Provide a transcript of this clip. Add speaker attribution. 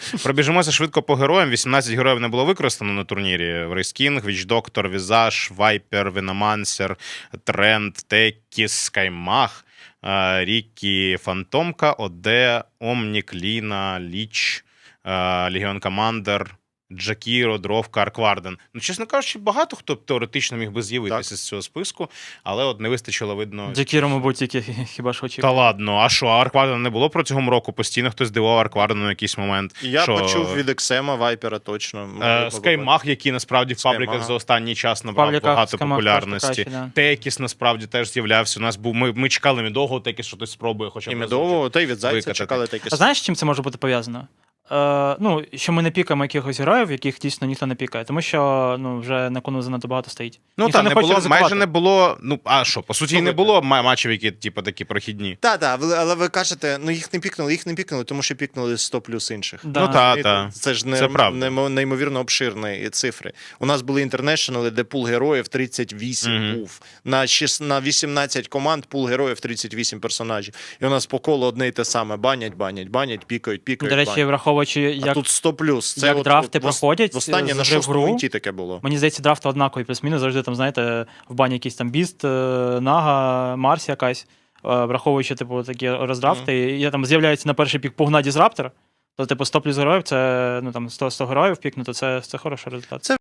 Speaker 1: Пробіжимося швидко по героям. 18 героїв не було використано на турнірі. Рейскінг, Вічдоктор, Візаж, Вайпер, Веномансер, Тренд, Текіс, Скаймах, Рікі, Фантомка, Оде, Омнік, Ліна, Ліч, Легіон Командер, Джакіро, Дровка, Аркварден. Ну, чесно кажучи, багато хто теоретично міг би з'явитися з цього списку, але от не вистачило, видно.
Speaker 2: Джекіро, мабуть, тільки хіба ж
Speaker 1: Та
Speaker 2: очікував.
Speaker 1: ладно, а що, Арквардена не було протягом року? Постійно хтось дивував Арквардену на якийсь момент.
Speaker 3: Я
Speaker 1: що...
Speaker 3: почув від Ексема, Вайпера точно.
Speaker 1: Скаймах, який насправді в пабліках
Speaker 3: Скаймах.
Speaker 1: за останній час набрав
Speaker 2: Пабліках
Speaker 1: багато
Speaker 2: Скаймах
Speaker 1: популярності.
Speaker 2: трошки краще,
Speaker 1: Текіс насправді теж з'являвся. У нас був ми чекали Медового, Текіс що хтось спробує, хоча б
Speaker 3: І
Speaker 1: разочок.
Speaker 3: Медового, та й від Зайця
Speaker 1: викатати.
Speaker 3: чекали такі.
Speaker 2: А знаєш, з чим це може бути пов'язано? Ну, що ми не пікаємо якихось героїв, яких дійсно ніхто не пікає, тому що вже на кону занадто багато стоїть.
Speaker 1: Ну
Speaker 2: Ніхто
Speaker 1: так, не
Speaker 2: хоче
Speaker 1: було,
Speaker 2: ризикувати.
Speaker 1: майже не було. Ну, а що, по суті, і не було матчів, які типу, такі прохідні.
Speaker 3: Так, але ви кажете, ну їх не пікнули, тому що пікнули 100 плюс інших.
Speaker 2: Да.
Speaker 1: Ну так.
Speaker 3: Це ж
Speaker 1: Це правда.
Speaker 3: неймовірно обширні цифри. У нас були інтернешнли, де пул героїв 38 був. На 18 команд пул героїв 38 персонажів. І у нас по колу одне й те саме. Банять, пікають.
Speaker 2: До речі,
Speaker 3: банять.
Speaker 2: враховуючи,
Speaker 3: А
Speaker 2: як,
Speaker 3: тут 100 плюс. Це
Speaker 2: як
Speaker 3: от,
Speaker 2: драфти проходять
Speaker 3: Останнє на
Speaker 2: з гри в
Speaker 3: 6-му
Speaker 2: гру,
Speaker 3: інті таке було.
Speaker 2: мені здається, драфти однакові, плюс-мінус, завжди там, знаєте, в бані якийсь там Біст, Нага, Марс якась, враховуючи, типу, такі роздрафти, і там з'являється на перший пік Пугна Дізраптор, то, типу, 100 плюс героїв, це, ну, там, 100 героїв пікнути, це хороший результат.